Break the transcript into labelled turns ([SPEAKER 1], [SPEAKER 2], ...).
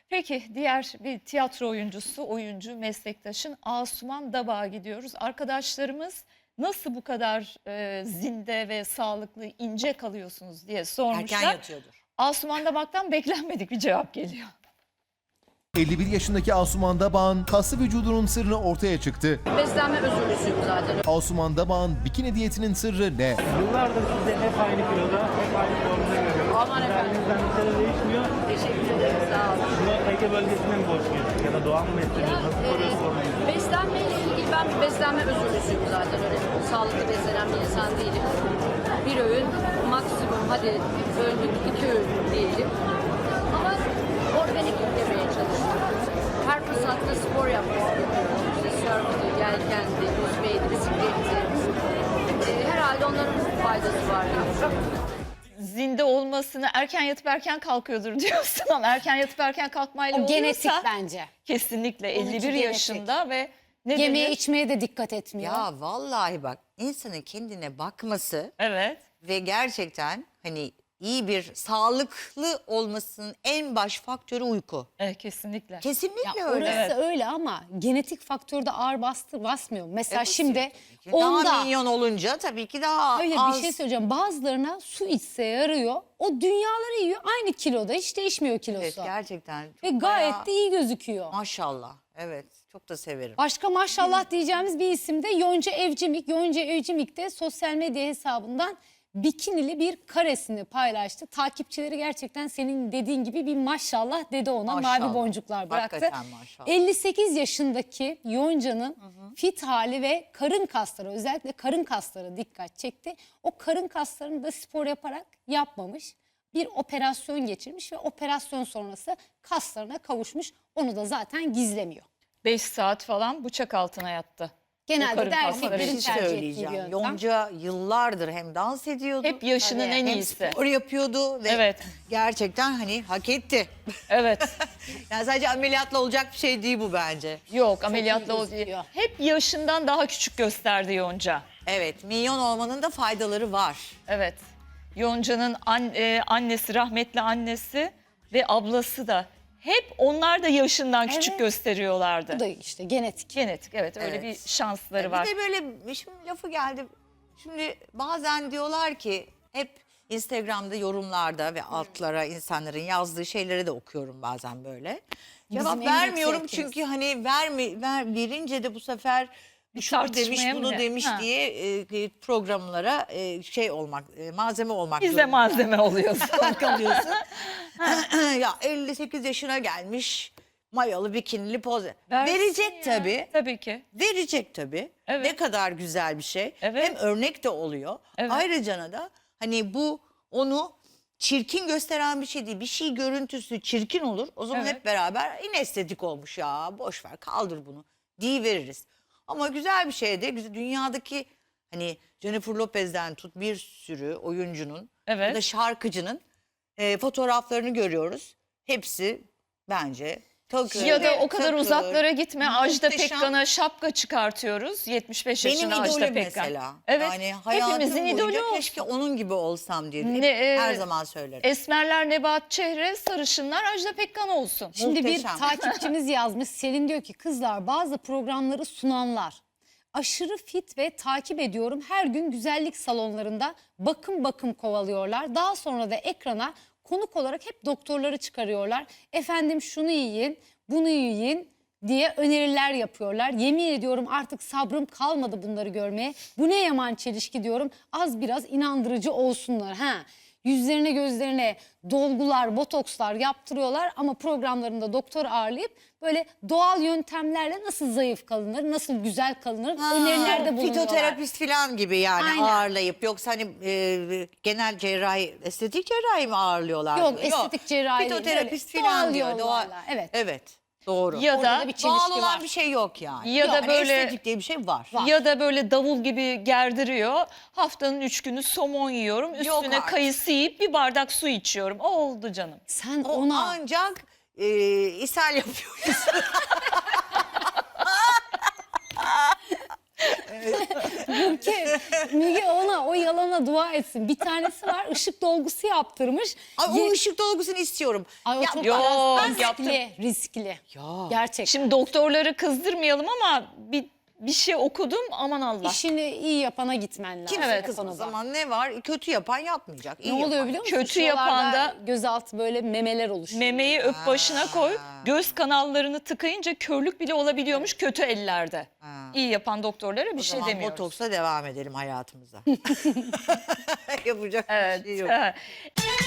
[SPEAKER 1] Peki diğer bir tiyatro oyuncusu, oyuncu meslektaşın Asuman Dabak'a gidiyoruz. Arkadaşlarımız nasıl bu kadar zinde ve sağlıklı, ince kalıyorsunuz diye sormuşlar.
[SPEAKER 2] Erken yatıyordur.
[SPEAKER 1] Asuman Dabak'tan beklenmedik bir cevap geliyor.
[SPEAKER 3] 51 yaşındaki Asuman Dabak'ın kaslı vücudunun sırrı ortaya çıktı.
[SPEAKER 4] Beslenme özürlüsüyüm zaten.
[SPEAKER 3] Asuman Dabak'ın bikini diyetinin sırrı ne?
[SPEAKER 5] Yıllardır sizi hep aynı kiloda, hep aynı formda görüyoruz.
[SPEAKER 4] Aman efendim.
[SPEAKER 5] Kendinizden bir şeyler değişmiyor.
[SPEAKER 4] Teşekkür ederim, sağ olun.
[SPEAKER 5] Buna Ege bölgesine mi borçluyuz? Ya da doğal mı besleniyoruz? Nasıl koruyoruz formunuzu?
[SPEAKER 4] Beslenmeyle ilgili ben bir beslenme özürlüsüyüm zaten. Öyle sağlıklı beslenen bir insan değilim. Bir öğün, maksimum hadi öldük 2 öğün diyelim. Ama organik yemeye çalışıyorum. Her fırsatta spor yapmak istiyorum. İşte surf'tü, yelkendi, yüzmeydi, bisikletti. Herhalde onların faydası var diye.
[SPEAKER 1] Zinde olmasını erken yatıp erken kalkıyordur diyorsun ama erken yatıp erken kalkmayla
[SPEAKER 6] O genetik
[SPEAKER 1] oluyorsa
[SPEAKER 6] bence.
[SPEAKER 1] kesinlikle
[SPEAKER 6] Onunki
[SPEAKER 1] 51
[SPEAKER 6] genetik.
[SPEAKER 1] yaşında ve ne
[SPEAKER 6] Yemeğe
[SPEAKER 1] denir?
[SPEAKER 6] içmeye de dikkat etmiyor.
[SPEAKER 2] Ya vallahi bak, insanın kendine bakması
[SPEAKER 1] Evet.
[SPEAKER 2] ve gerçekten hani iyi bir sağlıklı olmasının en baş faktörü uyku.
[SPEAKER 1] Kesinlikle.
[SPEAKER 2] Kesinlikle
[SPEAKER 6] Ya
[SPEAKER 2] öyle.
[SPEAKER 6] orası öyle ama genetik faktörde ağır basmıyor. Mesela
[SPEAKER 2] basıyor
[SPEAKER 6] şimdi
[SPEAKER 2] tabii ki. Daha
[SPEAKER 6] onda
[SPEAKER 2] minyon olunca tabii ki daha
[SPEAKER 6] öyle
[SPEAKER 2] az.
[SPEAKER 6] bir şey söyleyeceğim. Bazılarına su içse yarıyor. O dünyaları yiyor. Aynı kiloda hiç değişmiyor kilosu.
[SPEAKER 2] Evet, gerçekten.
[SPEAKER 6] Ve
[SPEAKER 2] çok
[SPEAKER 6] gayet
[SPEAKER 2] bayağı-
[SPEAKER 6] de iyi gözüküyor.
[SPEAKER 2] Maşallah. Evet, çok da severim.
[SPEAKER 6] Başka maşallah diyeceğimiz bir isim de Yonca Evcimik. Yonca Evcimik de sosyal medya hesabından bikinili bir karesini paylaştı. Takipçileri gerçekten senin dediğin gibi bir maşallah dedi ona.
[SPEAKER 2] Maşallah.
[SPEAKER 6] Mavi boncuklar bıraktı.
[SPEAKER 2] Hakikaten maşallah.
[SPEAKER 6] 58 yaşındaki Yonca'nın fit hali ve karın kasları, özellikle karın kasları dikkat çekti. O karın kaslarını da spor yaparak yapmamış. Bir operasyon geçirmiş ve operasyon sonrası kaslarına kavuşmuş. Onu da zaten gizlemiyor.
[SPEAKER 1] 5 saat falan bıçak altına yattı.
[SPEAKER 6] Genelde
[SPEAKER 1] karın
[SPEAKER 6] de
[SPEAKER 1] kasları.
[SPEAKER 2] Bir
[SPEAKER 6] erkeklerin
[SPEAKER 2] şey
[SPEAKER 6] tercih ettiği bir
[SPEAKER 2] söyleyeceğim.
[SPEAKER 6] yöntem.
[SPEAKER 2] Yonca yıllardır hem dans ediyordu.
[SPEAKER 1] Hep yaşının
[SPEAKER 6] Tabii.
[SPEAKER 1] en
[SPEAKER 2] hem
[SPEAKER 1] iyisi.
[SPEAKER 2] spor yapıyordu ve
[SPEAKER 1] Evet.
[SPEAKER 2] gerçekten hani hak etti.
[SPEAKER 1] Evet.
[SPEAKER 2] Yani sadece ameliyatla olacak bir şey değil bu bence.
[SPEAKER 1] Yok ameliyatla
[SPEAKER 6] iyi
[SPEAKER 1] o değil.
[SPEAKER 6] gözüküyor.
[SPEAKER 1] Hep yaşından daha küçük gösterdi Yonca.
[SPEAKER 2] Evet, minyon olmanın da faydaları var.
[SPEAKER 1] Evet. Yonca'nın annesi, rahmetli annesi ve ablası da hep onlar da yaşından küçük
[SPEAKER 6] Evet.
[SPEAKER 1] gösteriyorlardı.
[SPEAKER 6] Bu da işte genetik.
[SPEAKER 1] Genetik, evet, öyle
[SPEAKER 2] Evet.
[SPEAKER 1] bir şansları var.
[SPEAKER 2] Bir de böyle şimdi lafı geldi. Şimdi bazen diyorlar ki hep Instagram'da yorumlarda ve altlara insanların yazdığı şeyleri de okuyorum bazen böyle. Cevap
[SPEAKER 6] en büyük
[SPEAKER 2] vermiyorum
[SPEAKER 6] zevkimiz.
[SPEAKER 2] çünkü hani verince de bu sefer şunu demiş
[SPEAKER 1] tartışmaya mı
[SPEAKER 2] bunu
[SPEAKER 1] ne?
[SPEAKER 2] demiş
[SPEAKER 1] Ha.
[SPEAKER 2] diye programlara şey olmak malzeme olmak
[SPEAKER 1] Biz de
[SPEAKER 2] zorunda
[SPEAKER 1] malzeme oluyoruz.
[SPEAKER 2] kalıyorsun. Ya 58 yaşına gelmiş mayalı bikinili poz.
[SPEAKER 1] Versin
[SPEAKER 2] Verecek
[SPEAKER 1] ya.
[SPEAKER 2] tabii.
[SPEAKER 1] Tabii ki.
[SPEAKER 2] Verecek tabii.
[SPEAKER 1] Evet.
[SPEAKER 2] Ne kadar güzel bir şey.
[SPEAKER 1] Evet.
[SPEAKER 2] Hem örnek de oluyor.
[SPEAKER 1] Evet.
[SPEAKER 2] Ayrıca da hani bu onu çirkin gösteren bir şey değil. Bir şey görüntüsü çirkin olur. O zaman
[SPEAKER 1] Evet.
[SPEAKER 2] hep beraber yine estetik olmuş ya. Boş ver kaldır bunu diye veririz. Ama güzel bir şey de dünyadaki hani Jennifer Lopez'den tut bir sürü oyuncunun
[SPEAKER 1] Evet.
[SPEAKER 2] ya da şarkıcının fotoğraflarını görüyoruz. Hepsi bence takır.
[SPEAKER 1] Ya da o kadar
[SPEAKER 2] takır.
[SPEAKER 1] uzaklara gitme. Ajda
[SPEAKER 2] Muhteşem.
[SPEAKER 1] Pekkan'a şapka çıkartıyoruz. 75
[SPEAKER 2] Benim
[SPEAKER 1] yaşında Ajda
[SPEAKER 2] idolüm
[SPEAKER 1] Pekkan.
[SPEAKER 2] mesela.
[SPEAKER 1] Evet.
[SPEAKER 2] Yani hayatım
[SPEAKER 1] Hepimizin
[SPEAKER 2] boyunca
[SPEAKER 1] idolü olsun.
[SPEAKER 2] keşke onun gibi olsam diye her zaman söylerim.
[SPEAKER 1] Esmerler Nebahat Çehre, sarışınlar Ajda Pekkan olsun.
[SPEAKER 6] Şimdi
[SPEAKER 2] Muhteşem.
[SPEAKER 6] bir takipçimiz yazmış. Selin diyor ki kızlar bazı programları sunanlar aşırı fit ve takip ediyorum. Her gün güzellik salonlarında bakım kovalıyorlar. Daha sonra da ekrana konuk olarak hep doktorları çıkarıyorlar. Efendim şunu yiyin, bunu yiyin diye öneriler yapıyorlar. Yemin ediyorum artık sabrım kalmadı bunları görmeye. Bu ne yaman çelişki diyorum. Az biraz inandırıcı olsunlar. Yüzlerine gözlerine dolgular, botokslar yaptırıyorlar ama programlarında doktor ağırlayıp böyle doğal yöntemlerle nasıl zayıf kalınır, nasıl güzel kalınır önerilerde bulunuyorlar.
[SPEAKER 2] Fitoterapist falan gibi yani
[SPEAKER 6] Aynen.
[SPEAKER 2] ağırlayıp yoksa hani genel cerrahi, estetik cerrahi mi ağırlıyorlar?
[SPEAKER 6] Yok, estetik cerrahi değil,
[SPEAKER 2] Fitoterapist
[SPEAKER 6] böyle
[SPEAKER 2] falan
[SPEAKER 6] doğal
[SPEAKER 2] diyor.
[SPEAKER 6] yollarla, evet.
[SPEAKER 2] Evet, doğru.
[SPEAKER 1] Ya
[SPEAKER 6] Orada
[SPEAKER 1] da
[SPEAKER 6] da bir
[SPEAKER 2] Doğal
[SPEAKER 6] çelişki
[SPEAKER 2] olan
[SPEAKER 6] var.
[SPEAKER 2] bir şey yok yani.
[SPEAKER 1] Ya da
[SPEAKER 2] Yani
[SPEAKER 1] böyle-
[SPEAKER 2] estetik diye bir şey var.
[SPEAKER 1] Ya da böyle davul gibi gerdiriyor. Haftanın 3 günü somon yiyorum. Üstüne
[SPEAKER 2] artık.
[SPEAKER 1] kayısı yiyip bir bardak su içiyorum. O oldu canım.
[SPEAKER 6] Sen
[SPEAKER 2] O
[SPEAKER 6] ona
[SPEAKER 2] ancak ishal yapıyoruz.
[SPEAKER 6] bu Müge ona o yalana dua etsin. Bir tanesi var, ışık dolgusu yaptırmış.
[SPEAKER 2] Ay, o
[SPEAKER 6] Ye-
[SPEAKER 2] ışık dolgusunu istiyorum.
[SPEAKER 6] Ay, o
[SPEAKER 2] Ya,
[SPEAKER 6] çok
[SPEAKER 1] Yok,
[SPEAKER 6] riskli,
[SPEAKER 1] yaptım.
[SPEAKER 6] riskli.
[SPEAKER 2] Ya.
[SPEAKER 6] Gerçekten.
[SPEAKER 1] Şimdi doktorları kızdırmayalım ama bir şey okudum, aman Allah.
[SPEAKER 6] İşini iyi yapana gitmen lazım.
[SPEAKER 2] Kimse
[SPEAKER 1] Evet,
[SPEAKER 6] o
[SPEAKER 2] kızmaz
[SPEAKER 6] konuda.
[SPEAKER 2] zaman ne var? Kötü yapan yapmayacak. iyi
[SPEAKER 6] Ne oluyor
[SPEAKER 2] yapan.
[SPEAKER 6] biliyor musun?
[SPEAKER 1] Kötü
[SPEAKER 6] Şuralarda
[SPEAKER 1] yapan da-
[SPEAKER 6] gözaltı böyle memeler oluşuyor.
[SPEAKER 1] Memeyi öp başına koy. Göz kanallarını tıkayınca körlük bile olabiliyormuş kötü ellerde. İyi yapan doktorlara bir
[SPEAKER 2] O
[SPEAKER 1] şey
[SPEAKER 2] zaman
[SPEAKER 1] demiyoruz.
[SPEAKER 2] botoksla devam edelim hayatımıza. Yapacak
[SPEAKER 1] Evet.
[SPEAKER 2] bir şey yok.
[SPEAKER 1] evet.